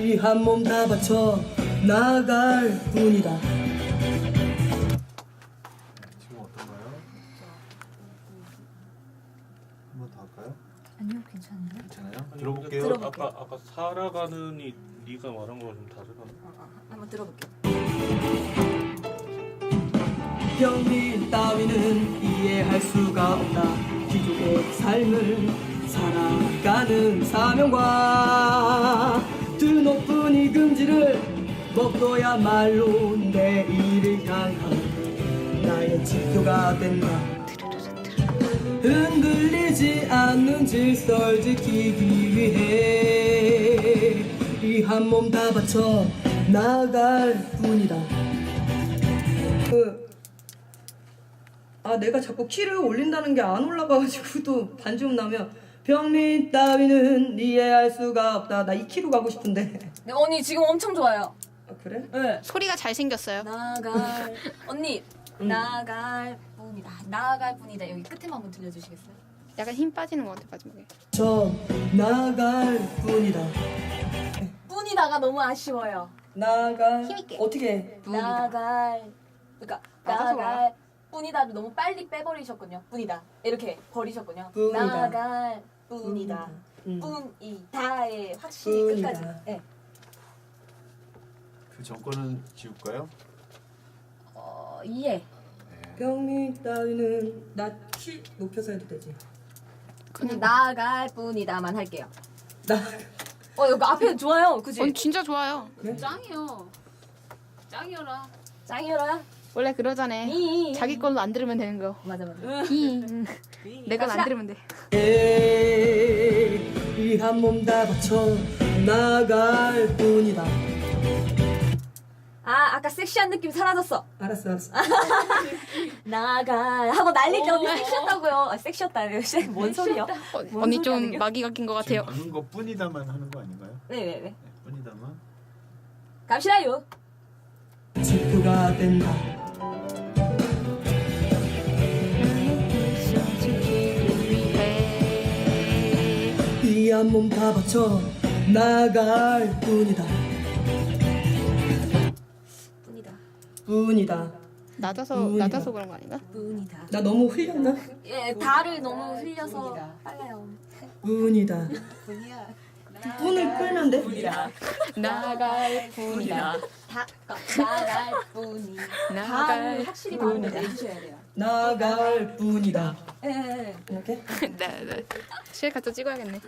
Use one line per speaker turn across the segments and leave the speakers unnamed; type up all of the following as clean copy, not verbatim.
이 한 몸 다 바쳐 나갈 뿐이다.
지금 어떤가요? 한 번 더 할까요?
아니요, 괜찮아요.
괜찮아요?
아니,
들어볼게요.
근데 아까 살아가는이 네가 말한 거랑 좀 다르다.
한번 들어볼게요.
병민 따위는 이해할 수가 없다. 귀족의 삶을 살아가는 사명과 드높은 이 금지를 먹어야말로 내일을 향한 나의 지표가 된다. 흔들리지 않는 질서를 지키기 위해 이 한 몸 다 바쳐 나갈 뿐이다. 내가 자꾸 키를 올린다는 게 안 올라가가지고 또 반주음 나면 병민 따위는 이해할 수가 없다. 나 이 키로 가고 싶은데.
네, 언니 지금 엄청 좋아요.
그래?
네.
소리가 잘생겼어요.
나갈 언니 나갈 뿐이다. 나갈 뿐이다. 여기 끝에만 한번 들려주시겠어요?
약간 힘 빠지는 것 같아 마지막에.
저 나갈 뿐이다.
뿐이다가 너무 아쉬워요.
나갈
힘있게.
어떻게 해?
나갈 그러니까
나가서
나갈 뿐이다를 너무 빨리 빼버리셨군요. 뿐이다 이렇게 버리셨군요.
뿐이다.
나갈 뿐이다. 뿐이다에 확실히
뿐이다.
끝까지. 네.
그 정권은 지울까요?
이해.
네.
병민 따위는 나 키 높여서 해도 되지.
그냥 나갈 뿐이다만 할게요.
나
여기 앞에 좋아요. 그지?
진짜 좋아요.
짱이요. 짱이어라.
짱이어라.
원래 그러잖아. 자기 걸로 안 들으면 되는 거.
맞아 맞아.
내 건 안
갑시다.
들으면 돼.
이 한 몸 다 바쳐 나갈 뿐이다.
아까 섹시한 느낌 사라졌어.
알았어.
나갈 하고 난리 때 언니 섹시했다고요. 섹시했다. 뭔 소리야?
언니 좀
소리야,
마귀가 낀 것
지금
같아요.
방금 거 뿐이다만 하는 거 아닌가요?
네네네.
네, 뿐이다만.
갑시다요.
지표가 된다. 이 한 몸 다 바쳐 나갈 뿐이다. 뿐이다.
낮아서 그런 거 아닌가?
뿐이다.
나 너무 흘렸나?
예, 달을 너무 흘려서 빨라요.
뿐이다. 뿐을 끌면 돼?
나갈 뿐이다.
나갈 뿐이. 달을 확실히 마음에 내주셔야 돼요.
나갈 뿐이다.
예.
이렇게?
네. 실 갖다 찍어야겠네.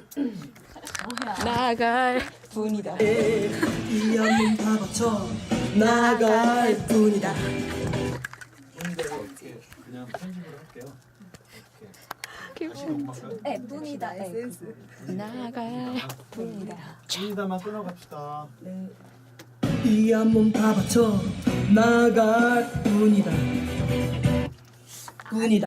나갈 뿐이다.
이 한 몸 다 바쳐 나갈 뿐이다.
뿐인데 이렇게 그냥 편집을 할게요. 이렇게 다시 녹음할까요?
네, 뿐이다. 에센스.
나갈 뿐이다.
뿐이다만 끊어갑시다.
이 한 몸 다 바쳐 나갈 뿐이다. 뿐이다.